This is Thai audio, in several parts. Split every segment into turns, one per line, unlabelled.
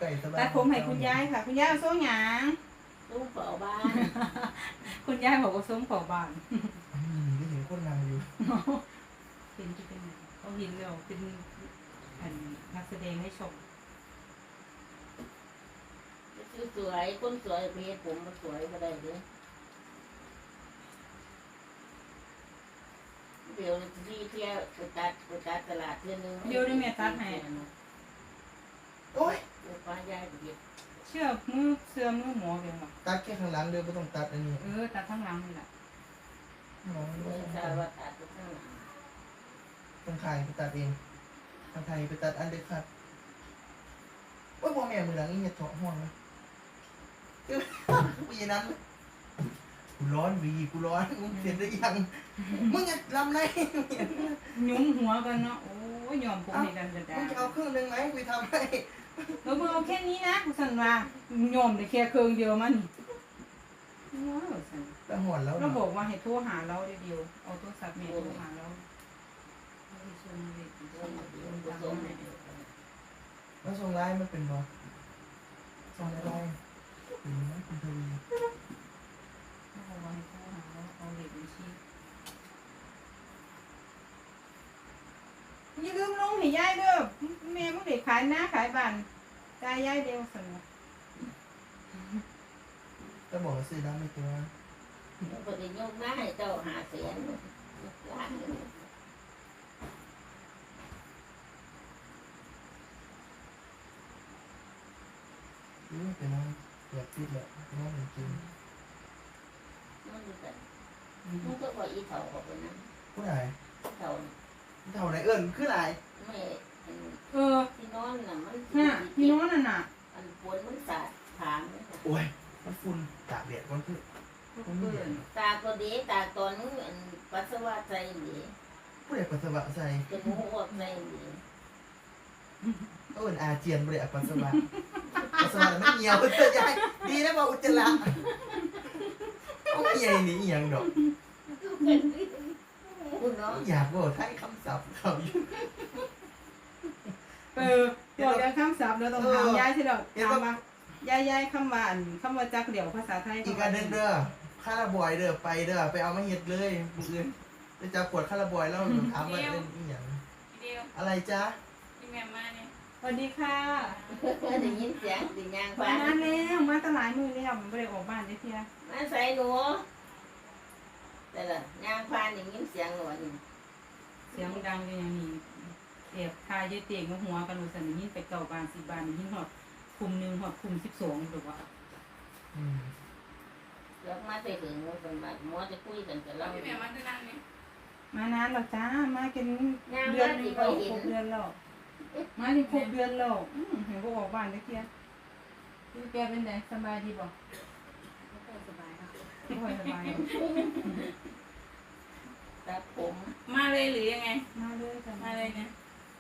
ไก่สบาย
ตัดผมให้คุณยายค่ะ คุณยายเอาส้มหยาง
ตู้เป่าบ้าน
คุณยายบอกว่าส้มขอบาน
ก็เห็นคนนางอยู่
เห็นที่เป็นเขาเห็นแล้วเป็นแผ่นนักแสดงให้ชม
สวยคนสวยเพชรผมมาสวยก็ได้เด้เดี๋ยวที่เที่ยวไปตัดตลาดเทื่อนึง
เดี๋ยวได้แม่ตัดให้
โอ้ย
เดี๋ยวป้ายายไปเก็บ
เชื่อมือเสื่อมมือหมอเพียงหรอ
ตัดแค่ข้างหลังเด้อไม่ต้องตัดอันนี้
ตัดทั้งหลังนี่แหละ
น้อง
ไม่ทราบว่าตัดไปข้างหลัง
ต้องขายไปตัดเองทางไทยไปตัดอันเด็ดขาดโอ้ยพ่อแม่มือหลังนี่เห็ดเถาะห้องนะกูยันนั้นกูร้อนวีกูร้อนมึงเสร็จหรือยังมึงจะลำไร
ยุ้มหัวกันเนาะโอ้ยยอมผมให้กันจะได้
มึงจะเอาเครื่องนึงไหมกูทำให้
แล้วมึงเอาแค่นี้นะกูสั่นว่ายอมแต่แค่เครื่องเดียวมันว้าวสั่น
แต่หอนแล้ว
เราบอกว่าให้โทรหาเราเดียวเอาโทรศัพท์เมียโทรหาเราเอาไปชมเลย
เดี๋ยวผสมให้
แล้วทรงไล่มันเป็นบอทรงอะไรหรือไม่คุณทวี
เขาบอกว่าให้โทรหาเราเอาเด็กบัญชีอย่าลืมลงให้ยายเด้อแม่มึงเด็กขายหน้าขายบ้านจ่ายยายเดียวสั่น
จะบอกว่าซื้อได้ไม่ตัว
แล้วก็จะยกมาให้เจ้าหาเสียนล้านหนึ่ง
เป็นน้องเกือบติดแหละน้องจริง
นั่นคือกันมึงก็บอกอีเถาออกไปนะ
ผู้ใด
เถา
เท่าไหนเอิญคือไร
ไม่
อ
ที่นอนน่ะมัน
น่ะพี่น้องนั่นน่ะ
อันปวดมันสาดถาม
โอ้ยมันฝุ่นตากแดดมันคือ
เพื่อน
ตาก็ดีตาตอนนึงอันปัสสาวะใจดี
ผู้ใดปัสสาวะใส่
จมูกออกใจดี
เอิญอาเจียนผู้ใดปัสสาวะปัสสาวะไม่เหี่ยวเธอยายดีนะบอกอุจจาระเอาเหี่ยนี่อีหยังดอก
คุณเนาะ
อยากบอกให้คำศัพท์เขาอยู่
บอกกันคำศัพท์เราต้องถามยายที่เราถามว่ายายคำว่าคำว่าจักเดี่ยวภาษาไทย
อีกอันหนึงเด้อคาราบอยเด้อไปเด้อไปเอามาเฮ็ดเลยมื้ออื่นจะจับปวดคาราบอยแล้วถามว่าเล่นอีหยัง
เดียว
อะไรจ๊ะ
ที่แม่มาเนี่ย
สวัสดีค่ะ
ได้ยินเสียงสิยาง
มา
ฟ้า
แล้วมาตลาดมือแล้วไม่ได้ออกบ้านได้เพีย
มาใส่หนูแต่ละยางฟ้าได้ยินเสียงหนูนี่
เสียงดังกันอย่างนี้เอบคายยเตียงหัวกันอุสันยินไปเก่าบาน10 บานยินหอดคุม1หอดคุม12หรือว่า
อืม
แล้วมาใส่ถึงหนูเป็นแบบหมอจะคุยกันกับเรา
ที่แม่มาที่นั่นเนี่ย
มานานหรอจ้ามากันเดือนนึงแล้วครบเดือนแล้วมาถึงครบเดือนแล้วเห็นว่าออกบ้านได้เพียพี่แกเป็นไงสบายดีบ่
ไม่ค่อยสบายค่ะ
ไม่ค่อยสบาย
ตัดผม
มาเลยหรือยังไง
มาเลยจ้ะ
มาเลยเนี่ย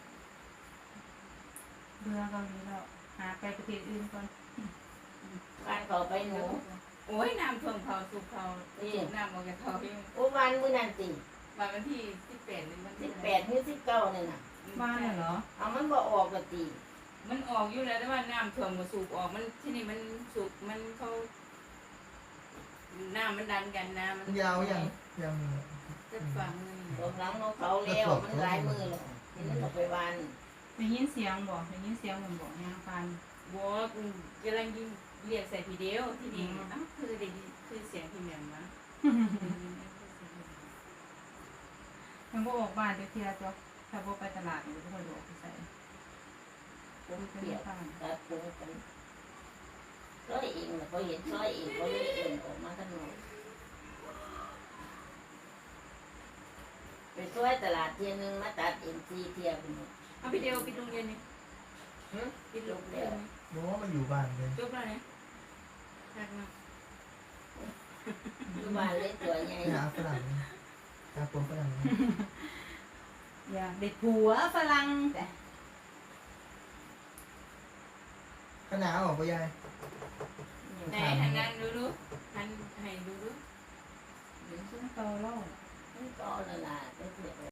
เบื่อเกาหลีแล้วหาไปประเทศอื่นก่อน
บ้านเขาไปหนู
โอ้ยน้ำท่วมเขาสูบเขาสูบน้ำออกจากเขาเอง
โอ้วันมื้อนั้นสิ
วันที่18หรือวันที่
18หรือ19นี่น่ะ
บ้านเหรอ
เอามันบ่ออกก็ตี
มันออกอยู่แล้วแต่ว่าน้ำท่วมก็สูบออกมันที่นี่มันสูบมันเขาน้ำมันดันกันน้ำมัน
ยาวยังยัง
จะฝังเลย
ตรงหลังของเขาแล้วมันหลายมือแล้วทีนี้เราไปวัน
ได้ยินเสียงบ่ได้ยินเสียงเหมือนบ่ยางฟัน
บอกกำลังยิงเรียกใส่ทีเดียวที่นี่อ้าวคือได้ยินคือเสียงที่แม่มา
มันก็ออกบ้านได้เพียจ้ะถ้าบ่ไปตลาดมันก็ค่อยออกไปใส่
ผมเปียกตัดผมกันร้อยเองเขาเห็นร้อยเองเขาเลยเอ็นออกมาข้างนอกไปช่วยตลาดเทียนึงมาตัดเอ็นซีเทียบน
เอาไปเดียวไปโรงเรียนนี่ไปโรงเรียนนี่
บอกว่ามันอยู่บ้านเลย
จบแล้วเนี่ยทักมา
อยู่บ้านเล็กตัวใหญ่
หาฝรั่งหาคนฝรั่ง
อย่าเด็กผัวฝรั่งแต่
ขนาดออกไปยาย
ไหนหันนั้นดูดูหันให้ดูดู
เดี๋ยวฉันโตแล้ว
ก็ละลายไปเสีย